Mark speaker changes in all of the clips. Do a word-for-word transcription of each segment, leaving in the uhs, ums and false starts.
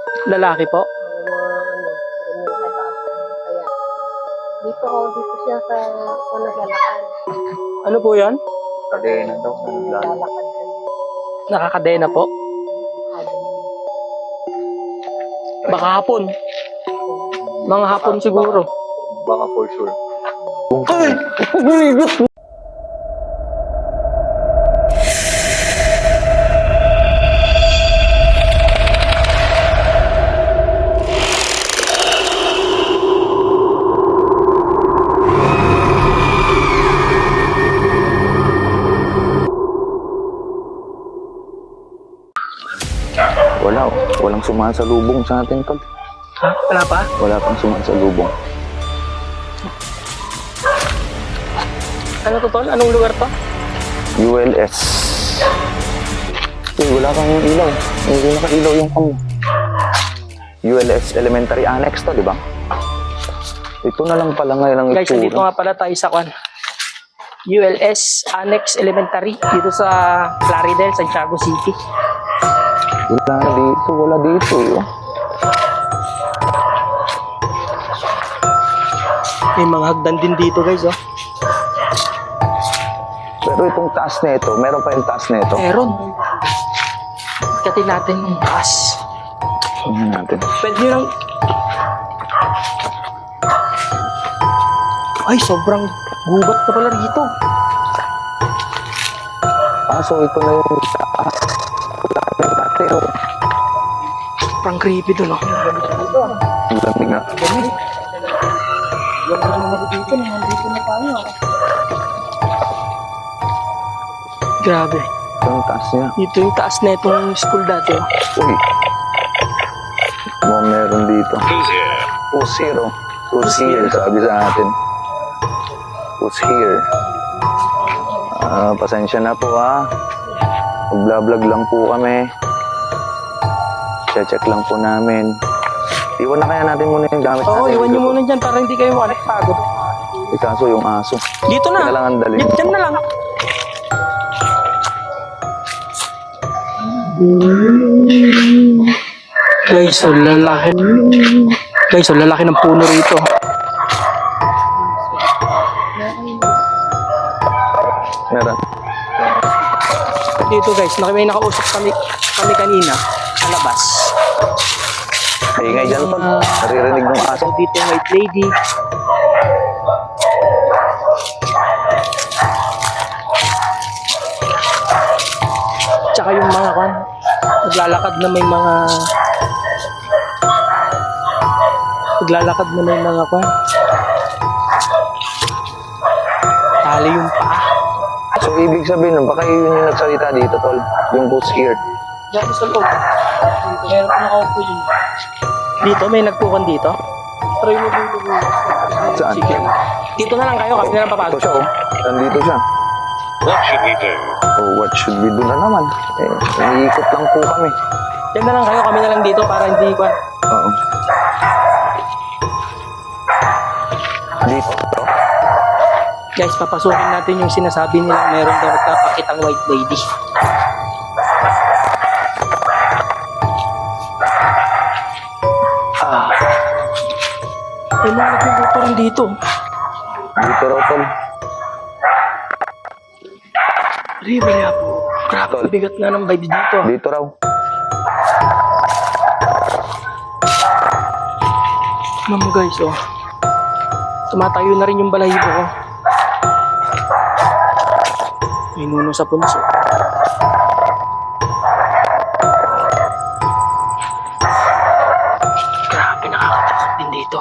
Speaker 1: Lalaki po?
Speaker 2: Mga ano, ganyan kataas. Kaya, dito ko, dito siya sa, ako naglalakad.
Speaker 1: Ano po yan?
Speaker 3: Kadena daw. Naglalakad.
Speaker 2: Naglalakad siya.
Speaker 1: Nakakadena po? Baka hapon. Mga hapon siguro.
Speaker 3: Baka for sure.
Speaker 1: Ay!
Speaker 3: Wala. Walang sumasalubong sa atin, tol.
Speaker 1: Ha? Wala pa?
Speaker 3: Wala pang sumasalubong.
Speaker 1: Ano to, tol? Anong lugar to?
Speaker 3: U L S. Eh, wala kang ilaw. Hindi naka-ilaw yung cam mo. U L S Elementary Annex to, di ba? Ito na lang pala ngayon ang
Speaker 1: Guys, dito
Speaker 3: itsura.
Speaker 1: nga pala tayo sa kwan. U L S Annex Elementary dito sa Plaridel, Santiago City.
Speaker 3: Wala dito, wala dito. Eh. Oh.
Speaker 1: May mga hagdan din dito, guys, oh.
Speaker 3: Pero itong taas na ito, meron pa yung taas na ito.
Speaker 1: Meron. Katin natin yung taas.
Speaker 3: Tingnan natin.
Speaker 1: Pwede nyo lang... Ay, sobrang gubat na pala dito.
Speaker 3: Ah, so ito na yung taas. Wala na yung dati. Oh.
Speaker 1: Sobrang creepy doon, oh.
Speaker 3: Ang lamig nga.
Speaker 2: Yung mga dito, nandito na tayo.
Speaker 1: Grabe.
Speaker 3: Ito yung taas niya.
Speaker 1: Dito yung taas na itong school dati, oh.
Speaker 3: Uy. Mga meron dito. Who's here? Oh. Who's here? Sabi sa atin. Who's here? Ah, pasensya na po ha. Mag-vlog lang po kami. Check lang po namin. Iwan na kaya natin muna yung gamit
Speaker 1: Oo,
Speaker 3: natin.
Speaker 1: iwan nyo muna dyan para hindi kayo makapagod.
Speaker 3: Eh, kaso yung aso.
Speaker 1: Dito na.
Speaker 3: Kaya lang ang dali.
Speaker 1: Dyan, dyan na lang. Guys, so lalaki. Guys, so lalaki ng puno rito.
Speaker 3: Meron.
Speaker 1: Dito guys, naka- may nakausap kami, kami kanina sa labas.
Speaker 3: Ingay dyan pa. Naririnig ng aso.
Speaker 1: So dito yung white lady. Tsaka yung mga kan, naglalakad na may mga naglalakad na may mga kan. Tali yung paa.
Speaker 3: So, ibig sabihin nun, baka yun yung nagsalita dito, tol. Yung who's here.
Speaker 1: Diyan sa loob. Meron pa nakaupo yun. Dito, may nagpukan dito. Try mo dito.
Speaker 3: Saan?
Speaker 1: Sige. Dito na lang kayo, kami na lang
Speaker 3: Ito
Speaker 1: papagod.
Speaker 3: siya, oh. Nandito siya.
Speaker 4: What should we do?
Speaker 3: Oh, what should we do na naman? Eh, naiikot lang po kami.
Speaker 1: Diyan na lang kayo, kami na lang dito para hindi ko.
Speaker 3: Oo. Dito, to.
Speaker 1: Guys, papasukin natin yung sinasabi nila meron daw nagpapakitang white lady. Ah. May mga nagluluto rin dito.
Speaker 3: Dito raw, tol.
Speaker 1: Riba niya po. Grabe,
Speaker 3: Tol.
Speaker 1: bigat nga ng vibes dito. ah.
Speaker 3: Dito raw.
Speaker 1: Ma'am guys, oh. Tumatayo na rin yung balahibo ko. May nuno sa punso. Grabe, nakakatakot din dito.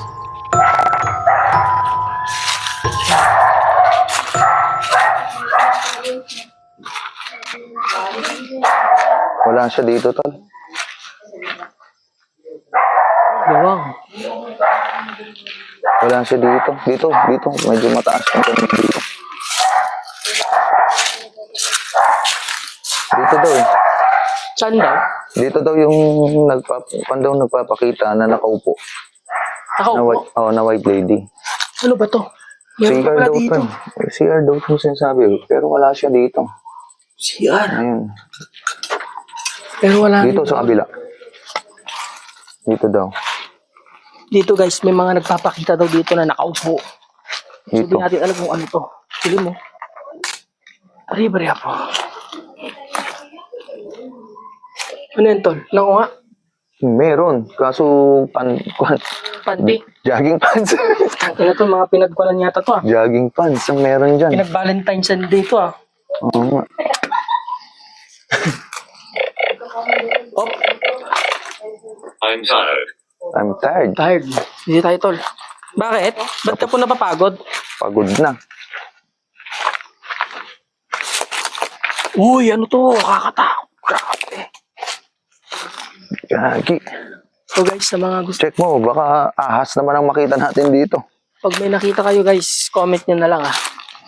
Speaker 3: Wala siya dito, tol.
Speaker 1: Wow.
Speaker 3: Wala siya dito. Dito, dito. Medyo mataas yung ganun dito. Dito daw eh.
Speaker 1: Saan daw?
Speaker 3: Dito daw yung nagpap pan daw nagpapakita na nakaupo.
Speaker 1: Ako,
Speaker 3: Na white, oh, na white lady.
Speaker 1: ano ba to? Meron pa
Speaker 3: C R
Speaker 1: pala
Speaker 3: daw
Speaker 1: dito.
Speaker 3: to. C R daw to sinasabi. Pero wala siya dito.
Speaker 1: C R.
Speaker 3: Ayun.
Speaker 1: Pero wala
Speaker 3: Dito
Speaker 1: rin.
Speaker 3: sa kabila. Dito daw.
Speaker 1: Dito guys, may mga nagpapakita daw dito na nakaupo. So, di
Speaker 3: Dito.
Speaker 1: natin alam kung ano to. Pili mo. Ari-bari po. Ano yan, tol? Nako nga.
Speaker 3: Meron. Kaso, pan, pan,
Speaker 1: Panty.
Speaker 3: jogging pants.
Speaker 1: Ano to, mga pinagkuanan yata to ah.
Speaker 3: jogging pants ang meron dyan.
Speaker 1: Pinag-Valentine's Day to ah.
Speaker 3: Oo nga.
Speaker 1: Oh,
Speaker 4: I'm tired.
Speaker 3: I'm tired.
Speaker 1: tired. Hindi tayo, tol. Bakit? Ba't ka po napapagod?
Speaker 3: Pagod na.
Speaker 1: Uy, ano to? Kakatakot. Grabe.
Speaker 3: Gagi.
Speaker 1: So guys, sa mga gusto,
Speaker 3: Check mo, baka ahas naman ang makita natin dito.
Speaker 1: pag may nakita kayo guys, comment nyo na lang ah.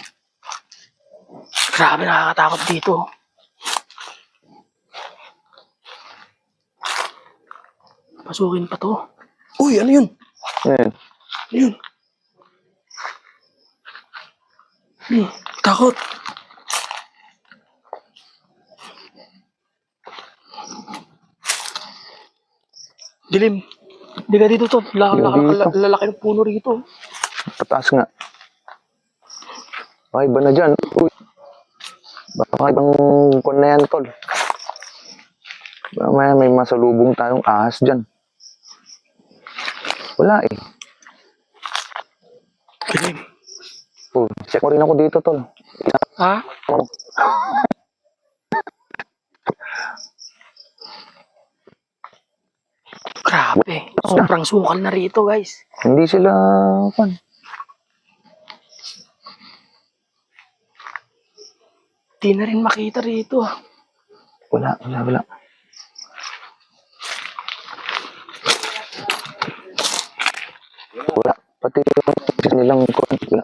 Speaker 1: Grabe, nakakatakot dito. Pasukin pa to. Uy, ano yun?
Speaker 3: Ayan.
Speaker 1: Ano yun? Hmm, takot. Dilim. Hindi ka dito to. La- la-
Speaker 3: Hindi
Speaker 1: la-
Speaker 3: dito.
Speaker 1: Lalaki ng puno rito.
Speaker 3: Pataas nga. Baka iba na dyan. Uy. Baka ibang kon na yan, tol. Baka may, may masalubong tayong ahas dyan. Wala eh.
Speaker 1: Dilim.
Speaker 3: Oh, check mo rin ako dito, tol.
Speaker 1: Ha?
Speaker 3: Oh.
Speaker 1: Grabe. Sobrang sukal na rito guys.
Speaker 3: Hindi sila, pan.
Speaker 1: Di na rin makita rito ah.
Speaker 3: Wala, wala, wala. Wala. Pati yung nilang kon. Wala.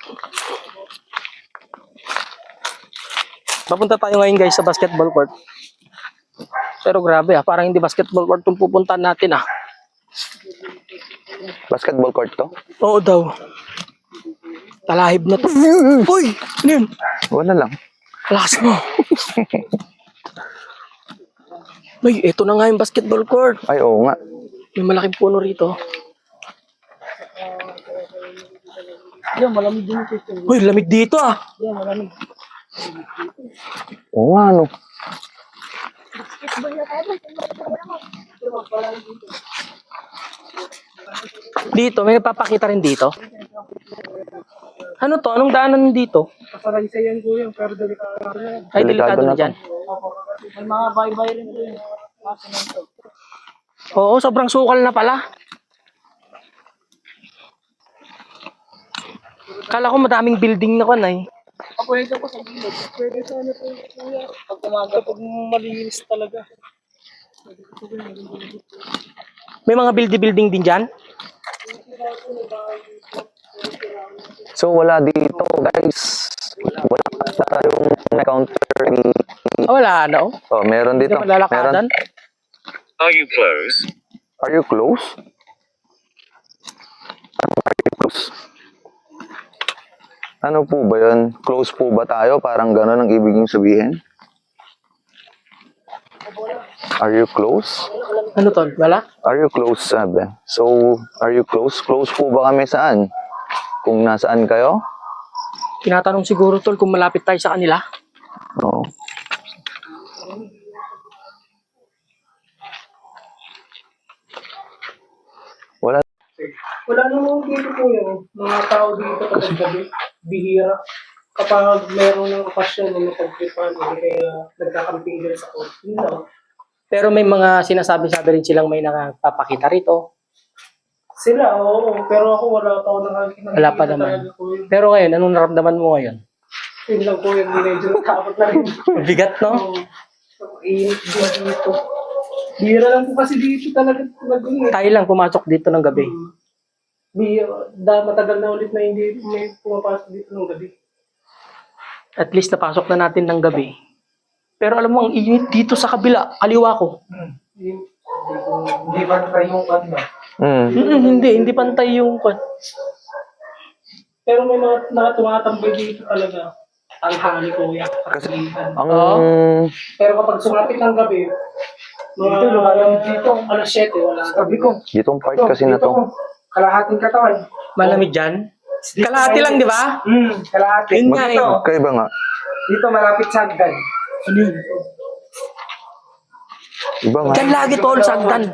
Speaker 1: Papunta tayo ngayon guys sa basketball court. Pero grabe ah, parang hindi basketball court itong pupuntahan natin ah.
Speaker 3: Basketball court to?
Speaker 1: Oo daw. Talahib na to. Uy! Ano yun?
Speaker 3: Wala lang.
Speaker 1: Lakas mo. Ay, eto na nga yung basketball court.
Speaker 3: Ay, oo nga.
Speaker 1: May malaking puno rito. Yan, malamig din ito. Uy, lamig dito ah. Yan, malamig.
Speaker 3: Oo nga, ano.
Speaker 1: Dito, may nagpapakita rin dito. Ano to? Anong daanan dito?
Speaker 2: Kasaraysayan ko yan, pero delikado na yan.
Speaker 1: Ay,
Speaker 3: Delikado
Speaker 1: delikado
Speaker 3: na
Speaker 1: na
Speaker 3: to.
Speaker 1: dyan.
Speaker 2: May mga bye-bye rin ko yun.
Speaker 1: Oo, sobrang sukal na pala. Kala ko madaming building na kan ay.
Speaker 2: Pwede ko sa gilid. Pwede sana ito kuya. Pag umaga, pag malinis talaga.
Speaker 1: May mga building-building din dyan.
Speaker 3: So, wala dito, guys. Wala pa tayong encounter ni...
Speaker 1: Ah, wala na oh.
Speaker 3: Oh, meron
Speaker 1: Hindi
Speaker 3: dito.
Speaker 1: pa lalakadan.
Speaker 4: Are you close?
Speaker 3: Are you close? Are you close? Ano po ba yun? Close po ba tayo? Parang gano'n ang ibig sabihin. Are you close?
Speaker 1: Ano tol? Wala?
Speaker 3: Are you close, sabi? So, are you close? Close po ba kami saan? Kung nasaan kayo?
Speaker 1: Tinatanong siguro tol kung malapit tayo sa kanila.
Speaker 3: Oo. Wala.
Speaker 2: Wala namang dito po yun. Mga tao dito kapag gabi, bihira. Kapag meron ng okasyon na napagtripan, hindi kaya nagkakamping din sa court. Yun lang.
Speaker 1: Pero may mga sinasabi-sabi rin silang may nakapapakita rito.
Speaker 2: Sila, oo. Pero ako wala pa ako nakakita.
Speaker 1: Wala pa naman. Pero ngayon, anong naramdaman mo ngayon?
Speaker 2: Yun lang po yung medyo natakot na rin.
Speaker 1: Bigat, no?
Speaker 2: Oo. So, init din dito. Bihira lang po kasi dito talaga nag-init.
Speaker 1: Tayo lang pumasok dito ng gabi.
Speaker 2: Bihira. Da, matagal na ulit na hindi may pumapasok dito ng gabi.
Speaker 1: At least napasok na natin ng gabi. Pero alam mo, ang init dito sa kabila, kaliwa ko.
Speaker 2: Hindi hindi pa try yung ano.
Speaker 3: Hmm.
Speaker 1: Mm-mm, hindi, hindi pantay yung...
Speaker 2: Pero may mga nakatumatambay dito talaga. Ang hali ko yan.
Speaker 3: Kasi ang...
Speaker 1: Oo.
Speaker 2: Pero kapag sumapit ng gabi, Mga lumalamig dito. Alas siyete, wala. Sabi ko.
Speaker 3: Ditong part kasi na to.
Speaker 2: Kalahating katawan.
Speaker 1: Malamig dyan? Kalahati lang, di ba?
Speaker 2: Hmm, kalahati.
Speaker 1: Yun nga eh.
Speaker 3: Magkaiba nga.
Speaker 2: Dito malapit sa hagdan.
Speaker 1: Ano yun?
Speaker 3: Iba nga.
Speaker 1: Dyan lagi tol, sagdan.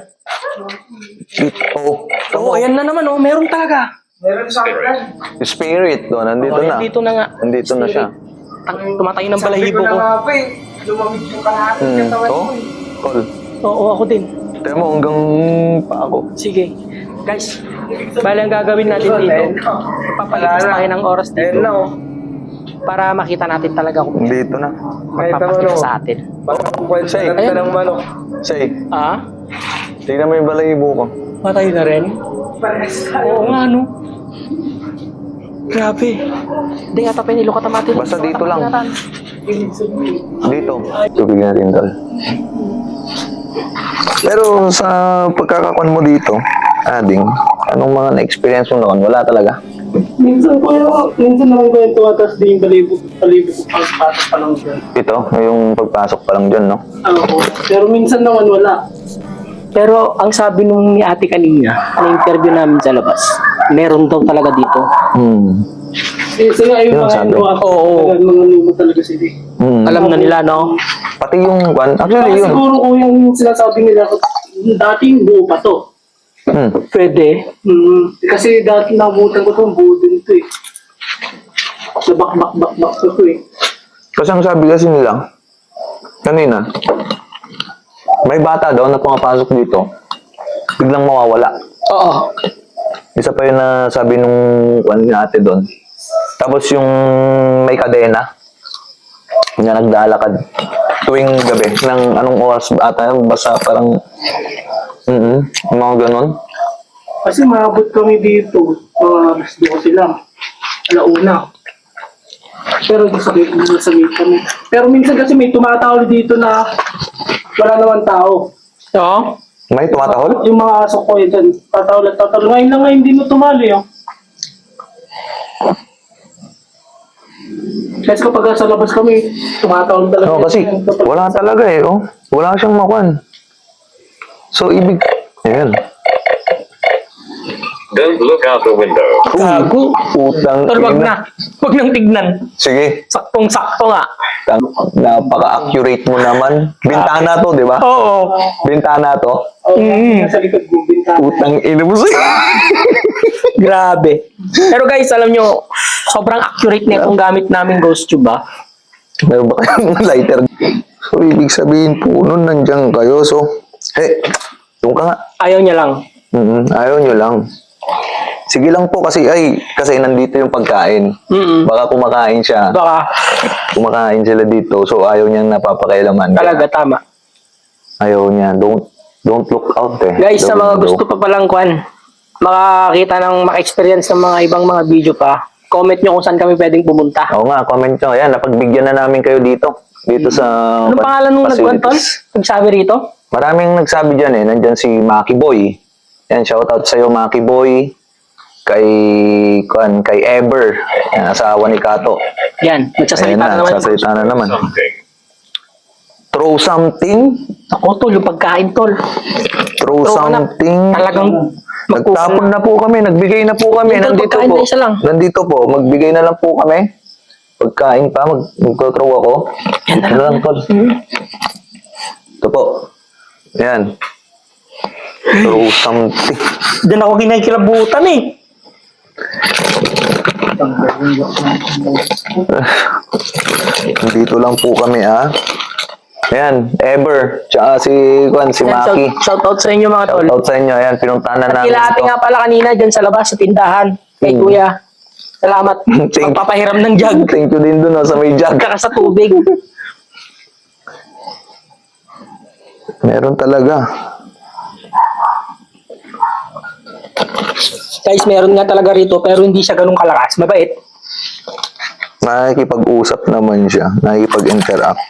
Speaker 3: Oh,
Speaker 1: Oo, ayan na naman oh, meron talaga.
Speaker 2: Meron sa hagdan.
Speaker 3: spirit doon, nandito
Speaker 1: Oh,
Speaker 3: na.
Speaker 1: dito na nga.
Speaker 3: Nandito na siya.
Speaker 1: Tang- Tumatay ng
Speaker 2: Sabi
Speaker 1: balahibo
Speaker 2: ko na
Speaker 1: ko.
Speaker 2: nga pa eh. Lumamig yung kalahating
Speaker 3: Hmm.
Speaker 2: katawan
Speaker 3: Oh,
Speaker 2: ko eh.
Speaker 3: Tol.
Speaker 1: Oo, ako din.
Speaker 3: Tayo mo hanggang pa ako.
Speaker 1: Sige. Guys, bali ang gagawin natin dito. Papalipas tayo ng oras dito.
Speaker 2: Ayun na oh.
Speaker 1: Para makita natin talaga kung
Speaker 3: Dito na.
Speaker 1: magpapakita sa atin.
Speaker 2: Parang kung kwento
Speaker 3: Say,
Speaker 2: ng
Speaker 1: ayan.
Speaker 2: ng manok.
Speaker 3: Say,
Speaker 1: Ah?
Speaker 3: tingnan mo yung balahibo ko.
Speaker 1: Patay na rin?
Speaker 2: Parehas tayo.
Speaker 1: Oo nga, no? Grabe. Hindi nga tapin ilo katamatin.
Speaker 3: Basta dito lang.
Speaker 2: Ibig sabihin.
Speaker 3: Dito. Tubig natin, Tol. Pero sa pagkakakuan mo dito, ading, anong mga na-experience mo noon? Wala talaga.
Speaker 2: Minsan ko yung, minsan naman ko yung tuwatas din yung balibo, balibo ko pagpatas pa lang dyan.
Speaker 3: Ito, yung pagpasok pa lang dyan, no?
Speaker 2: Oo. Pero minsan naman wala.
Speaker 1: Pero ang sabi nung ni ate kanina, na interview namin sa labas, meron daw talaga dito.
Speaker 3: Hmm.
Speaker 2: Kasi nga yung
Speaker 3: Yun
Speaker 2: mga
Speaker 3: sabi.
Speaker 2: inuwa ko,
Speaker 1: Oo.
Speaker 2: talagang mga luma talaga sila. eh.
Speaker 3: Hmm.
Speaker 1: Alam na nila, no?
Speaker 3: Pati yung kwan, actually
Speaker 2: Baka
Speaker 3: yun.
Speaker 2: siguro kung yung sinasabi nila, dating buo pa to.
Speaker 3: Hmm.
Speaker 1: Pwede.
Speaker 2: Hmm. Kasi dati nabutan ko to, buo din to eh. Nabak-bak-bak-bak ko to eh.
Speaker 3: Kasi ang sabi kasi nila, kanina, may bata daw na pumapasok dito, biglang mawawala.
Speaker 1: Oo.
Speaker 3: Isa pa yun na sabi nung kwan ni ate doon. Tapos yung may kadena, na nagdalakad tuwing gabi ng anong oras ba ata yun? Basta parang mm mga ganon.
Speaker 2: Kasi maabot kami dito, mga alas dose lang. Alauna. Pero di sa gate, di sa gate kami. Pero minsan kasi may tumatawag dito na wala naman tao.
Speaker 1: Oo.
Speaker 3: May tumatahol?
Speaker 2: Yung mga aso ko yun, tatawag at tatawag. Ngayon lang nga hindi mo tumali, oh. Kasi kapag sa labas kami, tumatawag talaga.
Speaker 3: No, kasi wala talaga eh, oh. Wala siyang makwan. So, ibig, ayan.
Speaker 4: Don't look out the window.
Speaker 1: Gago.
Speaker 3: Putang
Speaker 1: Tol, wag
Speaker 3: ina.
Speaker 1: na. Wag nang tignan.
Speaker 3: Sige,
Speaker 1: Saktong-sakto nga.
Speaker 3: tang- napaka-accurate mo naman. Bintana to, di ba?
Speaker 1: Oo.
Speaker 3: Bintana to.
Speaker 2: Oh, nasa likod mo, bintana.
Speaker 3: Putang ina mo sa'yo.
Speaker 1: Grabe. Pero guys, alam nyo, sobrang accurate na itong gamit namin ghost tube, ah.
Speaker 3: Meron ba kayong lighter? So, ibig sabihin po, nun nandiyan kayo. So, eh, doon ka nga.
Speaker 1: Ayaw niya lang.
Speaker 3: Mm, ayaw nyo lang. Sige lang po kasi, ay, kasi nandito yung pagkain.
Speaker 1: Mm-mm.
Speaker 3: Baka kumakain siya.
Speaker 1: Baka
Speaker 3: Kumakain sila dito, so ayaw niyang napapakailaman.
Speaker 1: talaga tama.
Speaker 3: Ayaw niya. Don't, don't look out eh.
Speaker 1: Guys, sa
Speaker 3: Don't
Speaker 1: mga
Speaker 3: go.
Speaker 1: gusto pa palang kwan, makakita ng maka-experience ng mga ibang mga video pa, comment nyo kung saan kami pwedeng pumunta.
Speaker 3: Oo nga, comment nyo. Ayan, napagbigyan na namin kayo dito. Dito sa
Speaker 1: Anong pangalan nung nagkwan, Tol?
Speaker 3: facilities.
Speaker 1: Nagsabi rito?
Speaker 3: Maraming nagsabi dyan eh. Nandyan si Maki Boy. Yan, shoutout sa'yo Maki Boy. Kay, kuan, kay Ever. Yan, asawa ni Kato.
Speaker 1: Yan,
Speaker 3: Ayan
Speaker 1: nagsasalita na
Speaker 3: na,
Speaker 1: naman.
Speaker 3: sasalita na naman.
Speaker 4: Something.
Speaker 3: Throw something.
Speaker 1: Ako, Tol, yung pagkain, Tol.
Speaker 3: Throw
Speaker 1: Throw ka na.
Speaker 3: something.
Speaker 1: Talagang
Speaker 3: Nagtapon na po kami. Nagbigay na po kami.
Speaker 1: Dito,
Speaker 3: Nandito
Speaker 1: pagkain
Speaker 3: po.
Speaker 1: na isa lang.
Speaker 3: Nandito po. Magbigay na lang po kami. Pagkain pa. Mag Magko-throw ako.
Speaker 1: Yan na
Speaker 3: Ano
Speaker 1: lang.
Speaker 3: lang, Tol? Ito po. Yan. Throw something.
Speaker 1: Diyan ako kinakilabutan eh.
Speaker 3: Nandito lang po kami, ah. Ayan, Ever. Tsaka si, Kwan, si
Speaker 1: Yan,
Speaker 3: Maki.
Speaker 1: shout, shout out sa inyo mga Tol.
Speaker 3: Shoutout sa inyo. Ayan, pinuntahan na
Speaker 1: At
Speaker 3: namin.
Speaker 1: kila ate
Speaker 3: ito.
Speaker 1: nga pala kanina dyan sa labas sa tindahan. Kay
Speaker 3: Mm.
Speaker 1: Kuya. Salamat.
Speaker 3: Thank-
Speaker 1: Pagpapahiram ng jug.
Speaker 3: Thank you din dun, oh, sa may jug.
Speaker 1: Saka sa tubig.
Speaker 3: Meron talaga.
Speaker 1: Guys, meron nga talaga rito pero hindi siya ganun kalakas. Mabait.
Speaker 3: Nakikipag-usap naman siya. Nakikipag-interact.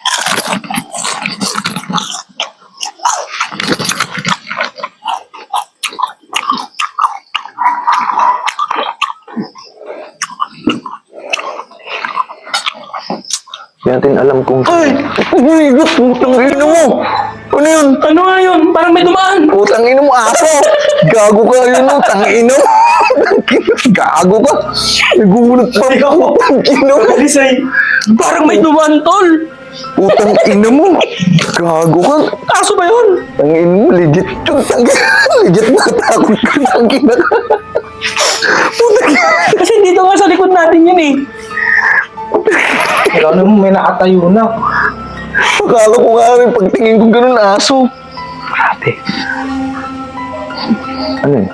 Speaker 3: Hindi natin alam kung... Ay! Umigot! Putang ina mo! Ano yun?
Speaker 1: Ano nga yun? Parang may dumaan.
Speaker 3: Putang ina mo, aso! Gago ka yun, no? Tang ina mo! Gago ka! Nagulat pa ako! Tang ina mo!
Speaker 2: Alisay.
Speaker 1: Parang may dumaan, tol.
Speaker 3: Putang ina mo! Gago ka!
Speaker 1: Aso ba yun?
Speaker 3: Tang ina mo, legit yun! Tang ina legit natakot ka! Tang ina ka! Putang ina!
Speaker 1: Kasi dito nga sa likod natin yun eh.
Speaker 2: Kailangan mo may nakatayo na.
Speaker 3: Akala ko nga rin, pagtingin ko ganun aso.
Speaker 1: Grabe.
Speaker 3: Ano yun?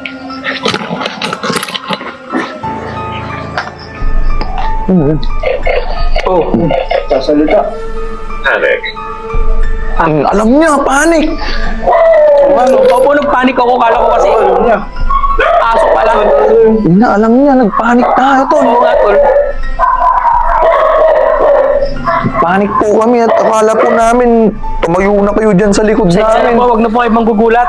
Speaker 3: Ano yun?
Speaker 2: Oh, sasalita.
Speaker 4: Panic.
Speaker 3: Ang alam niya, panic!
Speaker 1: Ano? Opo, nagpanik ako. Kala ko kasi
Speaker 2: Alam niya.
Speaker 1: aso pala.
Speaker 3: Ina, alam niya, nagpanik tayo, tol.
Speaker 1: Oo nga, tol.
Speaker 3: Panik po kami at akala po namin tumayo na kayo dyan sa likod
Speaker 1: Sana
Speaker 3: namin.
Speaker 1: po, wag na po kayo manggugulat.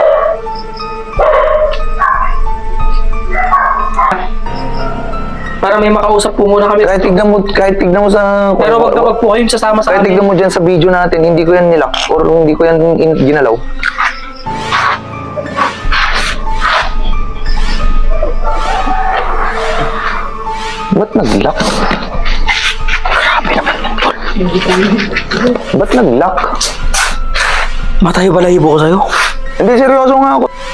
Speaker 1: Para may makausap po muna kami.
Speaker 3: Kahit tignan mo, kahit tignan mo sa...
Speaker 1: Pero wag na wag po kayong sasama sa
Speaker 3: Kahit
Speaker 1: amin.
Speaker 3: tignan mo dyan sa video natin, hindi ko yan nilock or hindi ko yan in- ginalaw. Ba't nag-lock? Ba't nag-lock?
Speaker 1: Matayo balahibo ko sa'yo.
Speaker 3: Hindi, seryoso nga ako.